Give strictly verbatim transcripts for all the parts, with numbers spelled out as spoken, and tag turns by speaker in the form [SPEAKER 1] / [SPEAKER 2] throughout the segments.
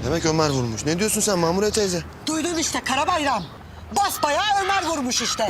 [SPEAKER 1] Demek Ömer vurmuş. Ne diyorsun sen Mamure teyze?
[SPEAKER 2] Duydun işte Karabayram. Basbayağı Ömer vurmuş işte.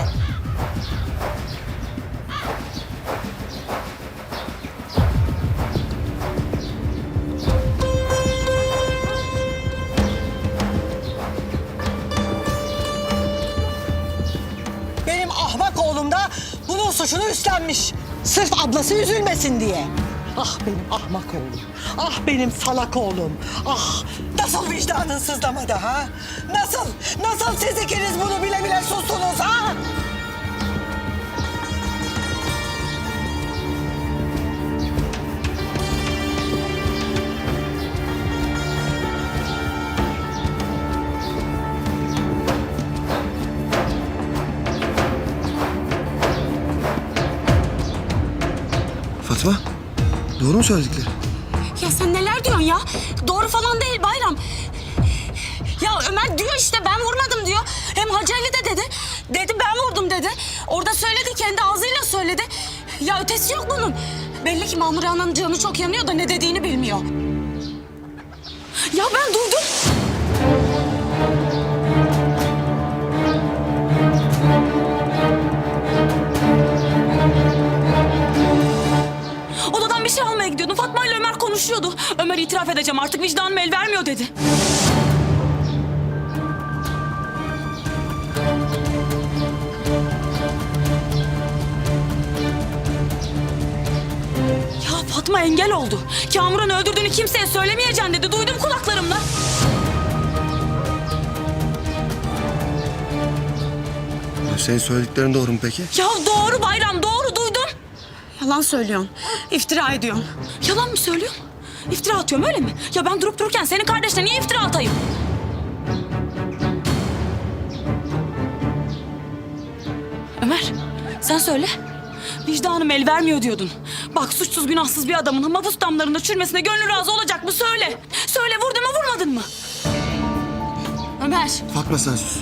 [SPEAKER 2] Benim ahmak oğlum da bunun suçunu üstlenmiş. Sırf ablası üzülmesin diye. Ah benim ahmak oğlum. Ah benim salak oğlum. Ah nasıl vicdanın sızlamadı ha? Nasıl? Nasıl siz ikiniz bunu bile bile sustunuz ha?
[SPEAKER 1] Fatma, doğru mu söyledikleri?
[SPEAKER 3] Ya sen neler diyorsun ya? Doğru falan değil Bayram. Ya Ömer diyor işte ben vurmadım diyor. Hem Hacı Ali de dedi. Dedi ben vurdum dedi. Orada söyledi, kendi ağzıyla söyledi. Ya ötesi yok bunun. Belli ki Mamure Ana'nın canı çok yanıyor da ne dediğini bilmiyor. Ya ben duydum. Odadan bir şey almaya gidiyordum. Fatma ile Ömer konuşuyordu. Ömer itiraf edeceğim artık vicdanım el vermiyor dedi. Ya Fatma engel oldu. Kamuran'ı öldürdüğünü kimseye söylemeyeceksin dedi. Duydum kulaklarımla.
[SPEAKER 1] Ya senin söylediklerin doğru mu peki?
[SPEAKER 3] Ya doğru Bayram, doğru duydum. Yalan söylüyorsun. İftira ediyorsun. Yalan mı söylüyorsun? İftira atıyorum öyle mi? Ya ben durup dururken senin kardeşine niye iftira atayım? Ömer, sen söyle. Vicdanım el vermiyor diyordun. Bak suçsuz günahsız bir adamın mahpus damlarında çürümesine gönlü razı olacak mı? Söyle. Söyle vurdun mu vurmadın mı? Ömer.
[SPEAKER 1] Fatma sen sus.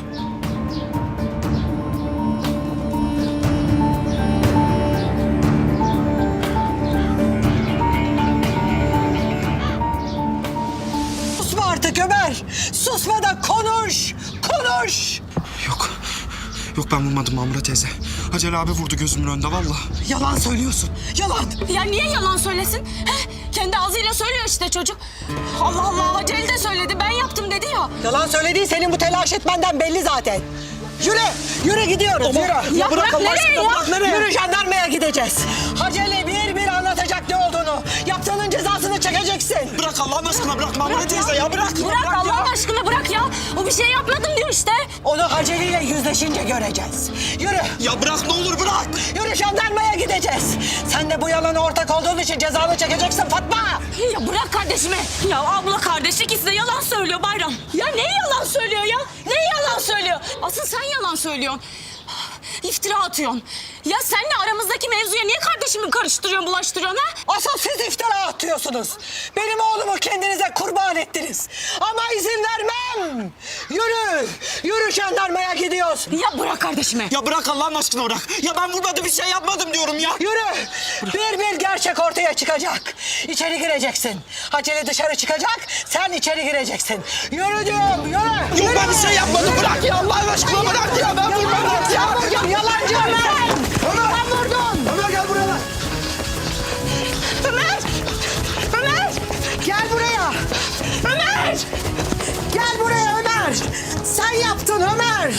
[SPEAKER 2] Susma artık Ömer. Susma da konuş. Konuş.
[SPEAKER 4] Yok. Yok ben vurmadım Mamure teyze. Hacı abi vurdu gözümün önünde vallahi.
[SPEAKER 2] Yalan söylüyorsun. Yalan.
[SPEAKER 3] Ya niye yalan söylesin? He? Kendi ağzıyla söylüyor işte çocuk. Allah Allah Hacı Ali de söyledi ben yaptım dedi ya.
[SPEAKER 2] Yalan söylediğin senin bu telaş etmenden belli zaten. Yürü, yürü gidiyoruz, yürü.
[SPEAKER 3] Ya bırak,
[SPEAKER 2] Allah
[SPEAKER 3] nereye
[SPEAKER 2] aşkına,
[SPEAKER 3] ya?
[SPEAKER 2] bırak nereye? Yürü jandarmaya gideceğiz. Hacı Ali bir bir anlatacak ne olduğunu. Yaptığının cezasını çekeceksin.
[SPEAKER 4] Bırak Allah'ın aşkına bırak Mamure teyze ya bırak.
[SPEAKER 3] Bırak
[SPEAKER 4] ya.
[SPEAKER 3] Allah'ın aşkına bırak ya. O bir şey yapmadım diyor işte.
[SPEAKER 2] Onu Hacı Ali ile yüzleşince göreceğiz. Yürü,
[SPEAKER 4] Ya bırak ne olur bırak.
[SPEAKER 2] yürü jandarmaya gideceğiz. Sen de bu yalana ortak olduğun için cezanı çekeceksin Fatma.
[SPEAKER 3] Ya bırak kardeşimi. Ya abla kardeş ikisi de yalan söylüyor Bayram. Ya neyi yalan söylüyor ya? Neyi yalan söylüyor? Asıl sen yalan söylüyorsun. İftira atıyorsun. Ya senle aramızdaki mevzuya niye kardeşimi karıştırıyorsun, bulaştırıyorsun ha?
[SPEAKER 2] Asıl siz iftira atıyorsunuz. Benim oğlumu kendinize kurban ettiniz. Ama izin vermem. Yürü, yürü jandarmaya gidiyoruz.
[SPEAKER 3] Ya bırak kardeşimi.
[SPEAKER 4] Ya bırak Allah'ın aşkına bırak. Ya ben vurmadım bir şey yapmadım diyorum ya.
[SPEAKER 2] Yürü. Bir bir gerçek ortaya çıkacak. İçeri gireceksin. Haceli dışarı çıkacak, sen içeri gireceksin. Yürü diyorum, yürü.
[SPEAKER 4] Yok ben bir şey yapmadım bırak ya Allah'ın aşkına bırak ya ben vurmadım ya.
[SPEAKER 2] Ya, yalancı Ömer.
[SPEAKER 4] Ömer.
[SPEAKER 2] Sen vurdun.
[SPEAKER 4] Ömer gel buraya lan.
[SPEAKER 2] Ömer. Ömer. Gel buraya. Ömer. Gel buraya Ömer. Sen yaptın Ömer.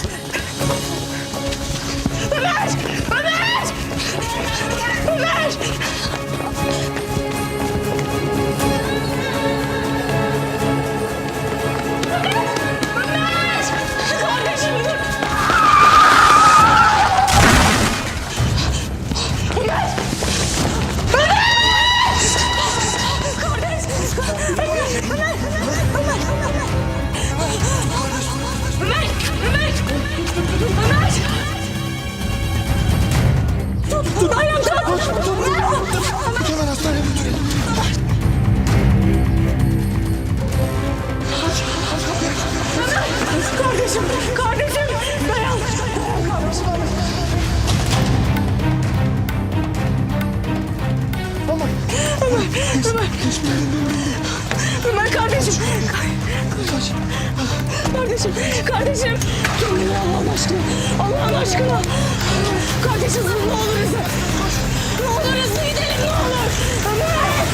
[SPEAKER 2] Ömer. Ömer. Ömer.
[SPEAKER 3] Ömer! Ömer! Ömer! Tut! Bayram tut! Tut! kardeşim. Kardeşim. Allah'ın aşkına. Allah'ın aşkına. Kardeşim ne olur hızlı. Ne olur hızlı gidelim ne olur. Ömer.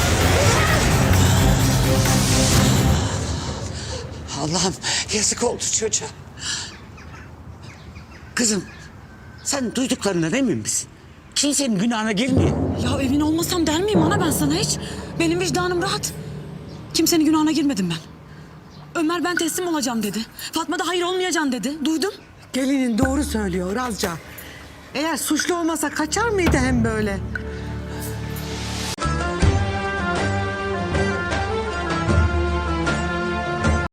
[SPEAKER 5] Allah'ım yazık oldu çocuğa. Kızım sen duyduklarından emin misin? Kimsenin günahına girmiyor.
[SPEAKER 3] Ya emin olmasam der miyim ana ben sana hiç? Benim vicdanım rahat. Kimsenin günahına girmedim ben. Ömer ben teslim olacağım dedi. Fatma da hayır olmayacağım dedi. Duydum.
[SPEAKER 2] Gelinin doğru söylüyor Razca. Eğer suçlu olmasa kaçar mıydı hem böyle?